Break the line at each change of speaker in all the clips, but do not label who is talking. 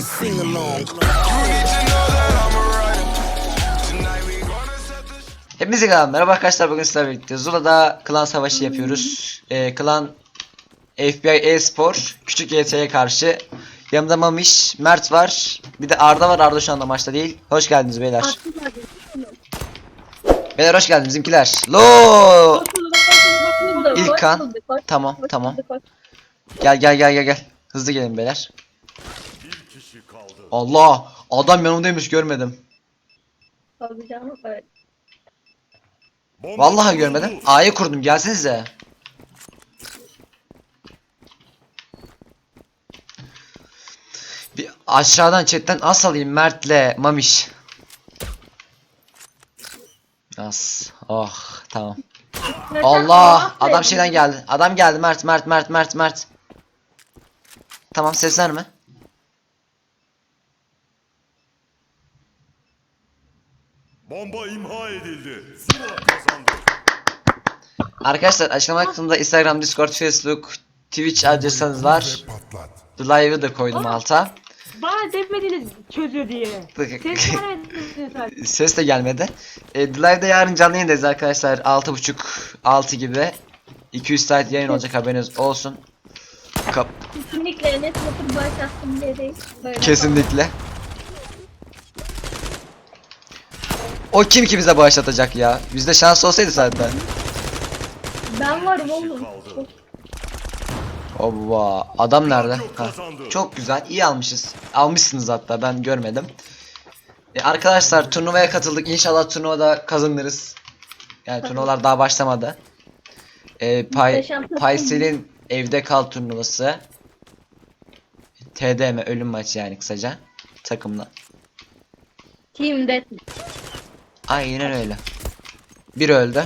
a sing along.
Hepinize merhaba arkadaşlar, bugün sizlerle birlikte Zula'da klan savaşı yapıyoruz. Klan FBI e-spor küçük YT'ye karşı. Yanımda Mamiş, Mert var. Bir de Arda var. Arda şu anda maçta değil. Hoş geldiniz beyler. Beyler hoş geldiniz bizimkiler. Lo! İlkan. Tamam. Gel. Hızlı gelin beyler. Allah! Adam yanımdaymış, görmedim. Vallahi görmedim. A'yı kurdum, gelsenize. Bir aşağıdan chatten as alayım Mert'le Mamiş. As. Oh, tamam. Allah! Adam şeyden geldi. Adam geldi. Mert. Tamam, seslenme.
Bomba imha edildi. Zula kazandı.
Arkadaşlar açıklama kısmında Instagram, Discord, Facebook, Twitch adresiniz var. The Live'ı da koydum alta.
Bana demediniz çözüyor diye. Ses vermediniz zaten.
Ses de gelmedi. The Live'da yarın canlı yayındayız arkadaşlar. 6.30-6 gibi. 200 saat yayın olacak, haberiniz olsun.
Kesinlikle Enes Batur başlattım diye değil. Böyle
Kesinlikle. O kim ki bize bağışlatacak ya? Bizde şans olsaydı zaten.
ben varım oğlum.
Ova, adam nerede? Ha. Çok güzel, iyi almışız. Almışsınız hatta, ben görmedim. Arkadaşlar turnuvaya katıldık. İnşallah turnuvada kazanırız. Yani turnuvalar daha başlamadı. Paysel'in evde kal turnuvası. TDM ölüm maçı yani kısaca. Takımla.
Team Deathmatch.
Aynen öyle. Bir öldü.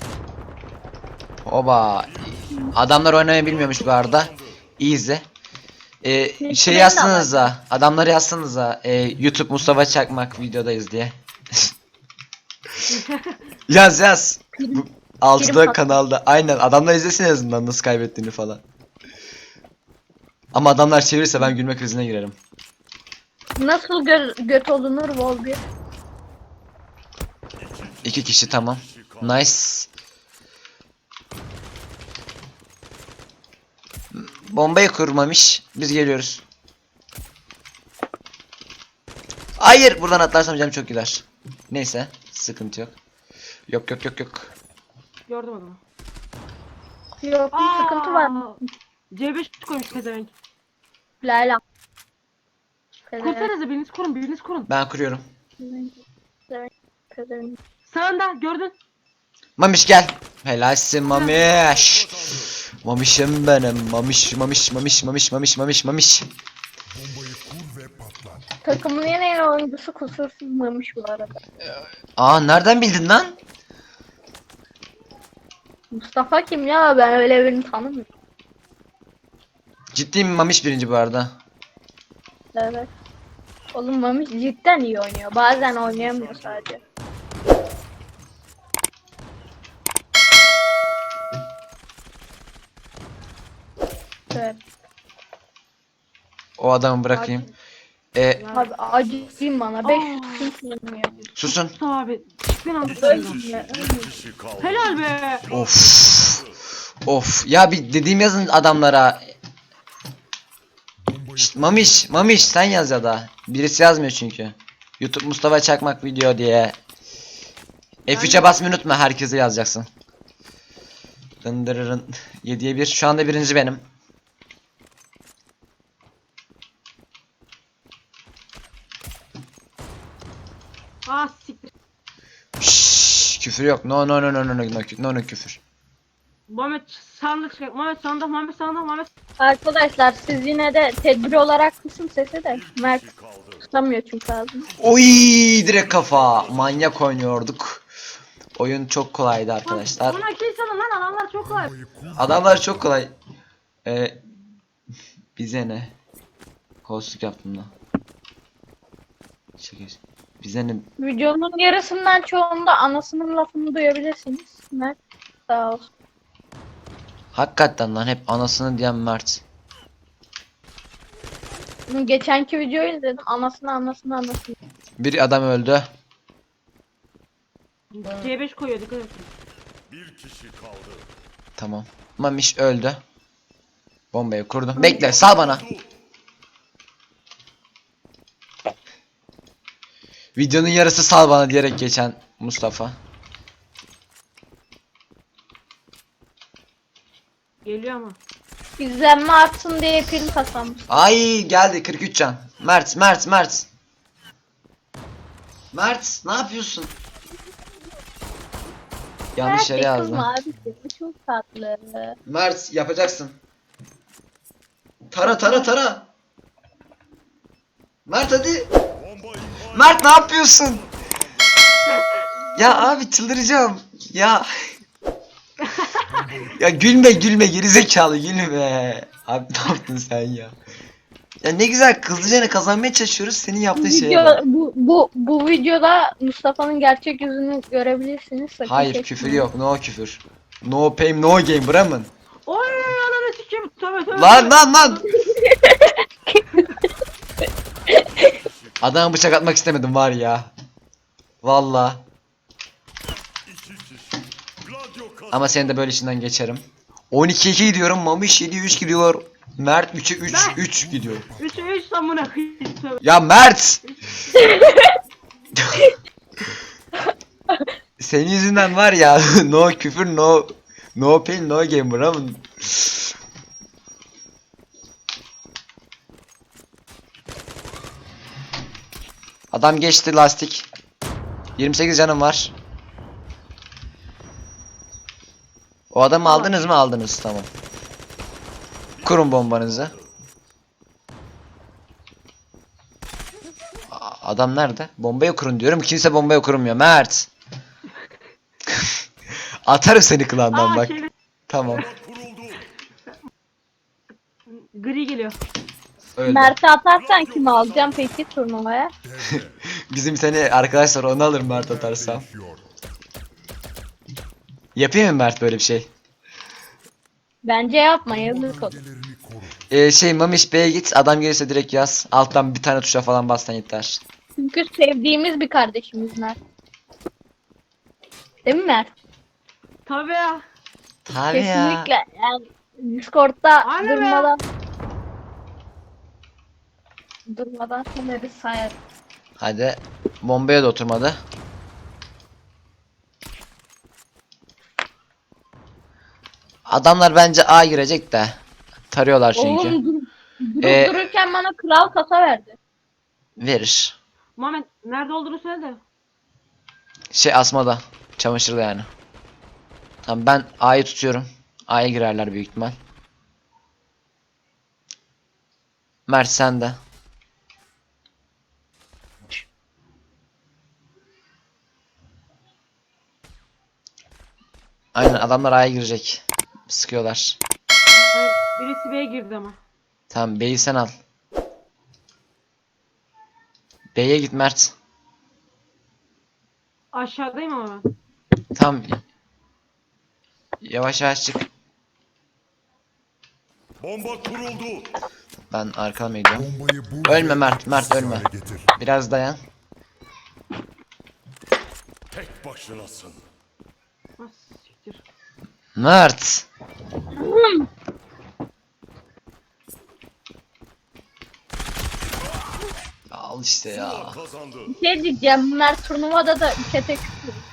Oba. Adamlar oynamayı bilmiyormuş bu arada. Easy. Şey yazsanıza. Adamları yazsanıza. YouTube Mustafa Çakmak videodayız diye. Yaz. Bu, altıda kanalda. Aynen, adamlar izlesin en azından nasıl kaybettiğini falan. Ama adamlar çevirirse ben gülme krizine girerim.
Nasıl göt olunur Vol 1?
2 kişi, tamam. Nice. Bombayı kurmamış. Biz geliyoruz. Hayır, buradan atlarsam canım çok gider. Neyse, sıkıntı yok. Yok.
Gördüm adamı.
Yok bir sıkıntı var.
C5 koymuş pezevenk.
Lala.
Kursanıza, biriniz kurun.
Ben kuruyorum.
Sağında gördün.
Mamiş gel. Helalsin Mamiş. Mamişim benim. Mamiş.
Takımın en iyi oyuncusu kusursuzmamış bu arada.
Aa, nereden bildin lan?
Mustafa kim ya? Ben öyle birini tanımıyorum.
Ciddi mi? Mamiş birinci bu arada.
Evet. Oğlum Mami cidden iyi oynuyor. Bazen oynayamıyor sadece. Evet.
O adamı bırakayım.
Abi acıyım bana. 500 ping kullanıyor.
Susun.
Mustafa abi. Çıktın aldı.
Kişi kaldı.
Helal be.
Of. Ya bir dediğim yazın adamlara. Şşt, Mamiş sen yaz ya da. Birisi yazmıyor çünkü. YouTube Mustafa Çakmak video diye. F3'e basmayı unutma, herkese yazacaksın. Dındırırın. 7'ye 1. Şu anda birinci benim.
Siktir.
Şşş, küfür yok. No küfür.
Muhammed sandık çıkart. Muhammed sandık.
Arkadaşlar siz yine de tedbir olarak kısın sesi de. Mert tutamıyor çünkü ağzını.
Oy, direkt kafa. Manyak oynuyorduk. Oyun çok kolaydı arkadaşlar.
Buna kill salın lan, adamlar çok kolay.
Adamlar çok kolay. Bize ne? Kolsuzluk yaptım da. Şaka. Bize ne?
Videonun yarısından çoğunda anasının lafını duyabilirsiniz. Mert sağ olsun.
Hakikaten lan, hep anasını diyen Mert.
geçenki videoyu izledim. Anasını.
Bir adam öldü.
C5 koyuyor, dikkat et.
Bir kişi kaldı.
Tamam. Mamiş öldü. Bombayı kurdum. Bekle, sal bana. Videonun yarısı sal bana diyerek geçen Mustafa.
Geliyor ama.
İzlenme artsın diye prim kasamış.
Ay geldi 43 can. Mert. Mert ne yapıyorsun? Yanlış yere yazdım.
Kızma abi. Bu çok tatlı.
Mert yapacaksın. Tara. Mert hadi.
Bomba imha
Mert ne yapıyorsun? Ya abi çıldıracağım. Ya. Ya gülme gerizekalı gülme. Abi ne yaptın sen ya? Ya ne güzel kızlıcana kazanmaya çalışıyoruz senin yaptığın şeye
Video,
bak.
bu videoda Mustafa'nın gerçek yüzünü görebilirsiniz. Sakın
Hayır
çekmeyin.
küfür yok, no küfür. No pain no game Bremen.
Oy ananı sikeyim. Tövbe.
Lan. Adama bıçak atmak istemedim var ya. Valla.
iki kişi. Gladio kazandı.
Ama senin de böyle işinden geçerim. 12-2 gidiyorum. Mamiş 7-3 gidiyor. Mert 3'e 3 gidiyor.
3'e 3 samına kıyım. Tövbe.
Ya Mert! Senin yüzünden var ya. No küfür no pain no game Bremen. Adam geçti lastik. 28 canım var. O adamı aldınız mı? Aldınız, tamam. Kurun bombanızı. Adam nerede? Bombayı kurun diyorum. Kimse bombayı kurmuyor. Mert. Atarım seni klandan bak.
Şey,
Tamam.
Kuruldu.
gri geliyor.
Öyle.
Mert'i atarsan kimi alacağım peki turnuvaya?
Bizim seni arkadaşlar onu alır Mert atarsam. Yapayım mı Mert böyle bir şey?
Bence yapma yazık olur.
Mamiş B'ye git. Adam gelirse direkt yaz. Alttan bir tane tuşa falan bassan yeter.
Çünkü sevdiğimiz bir kardeşimiz Mert. Değil mi Mert?
Tabii ya.
Tabii ya.
Kesinlikle. Yani Discord'da
Aynen
durmadan sonra bir sayar.
Hadi. Bombaya da oturmadı. Adamlar bence A girecek de. Tarıyorlar çünkü.
Oğlum durup
Ee,
dururken bana kral kasa verdi.
Verir.
Muhammed nerede olduğunu söyle de.
Asmada. Çamaşırda yani. Tamam ben A'yı tutuyorum. A'ya girerler büyük ihtimal. Mert sen de. Aynen adamlar A'ya girecek. Sıkıyorlar.
Hayır, birisi B'ye girdi ama.
Tamam B'yi sen al. B'ye git Mert.
Aşağıdayım ama ben.
Tamam. Yavaş yavaş çık.
Bomba kuruldu.
Ben arkama gidiyorum.
Bombayı bul
Ölme
ve
Mert,
etkisiz
ölme.
hale getir.
Biraz dayan.
Tek başınasın.
Ah, siktir.
Mert. Al işte ya.
Zula kazandı.
Şey diyeceğim Mert turnuvada da 3'e tek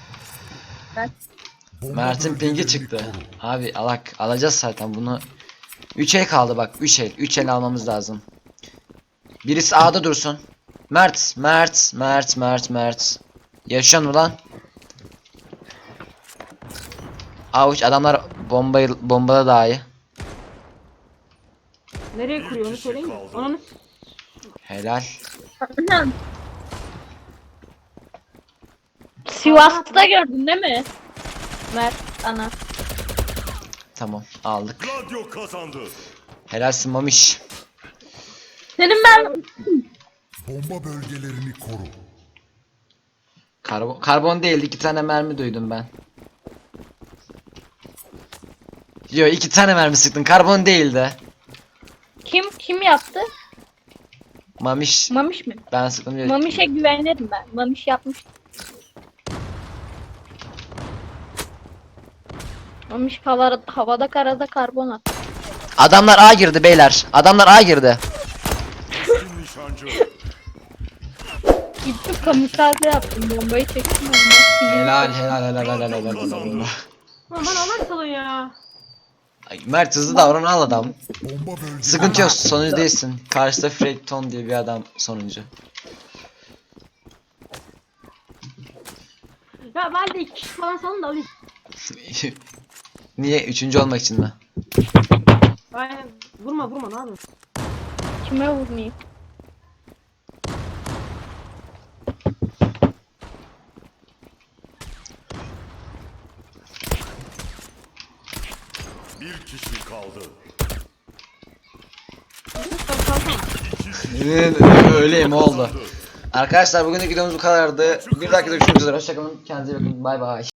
Bomba
Mert'in pingi
bölgelerini
çıktı.
koru.
Abi alacağız zaten bunu. 3 el kaldı bak 3 el. 3 el almamız lazım. Birisi A'da dursun. Mert. Yaşıyor mu lan? Avuç adamlar bombada daha iyi.
Nereye kuruyor onu söyleyeyim mi? Ananı
Helal.
Sivas'ta gördün değil mi? Mert ana.
Tamam aldık.
Gladio kazandı.
Helalsin Mamiş.
Senin ben
Bomba bölgelerini koru.
Karbon değildi 2 tane mermi duydum ben. Yo 2 tane mermi sıktın karbon değildi.
kim yaptı?
Mamiş.
Mamiş mi?
Ben sıktım diyor.
Mamiş'e güvenirim ben. Mamiş yapmış. Mamiş havada karada karbonat.
Adamlar A girdi beyler. Adamlar A girdi.
Keskin nişancı.
Gittim kamikaze yaptım. Bombayı çektim. Ondan
Helal helal helal helal helal. helal.
Kazandı.
Lan bana Allah salın ya.
Ay, Mert hızlı davran al adam.
Bomba bölgeleri
Sıkıntı yok, sonuncu değilsin. Karşıda Frekton diye bir adam sonuncu.
Ya ben de 2 kişi falan salın da alayım.
Niye? Üçüncü olmak için mi?
Aynen. Vurma ne yapıyorsun?
kime vurmayayım?
Bir kişi kaldı.
Öyleyim oldu. Arkadaşlar bugünkü videomuz bu kadardı. Bir dakika görüşmek üzere. Hoşçakalın. Kendinize iyi bakın. Bay bay.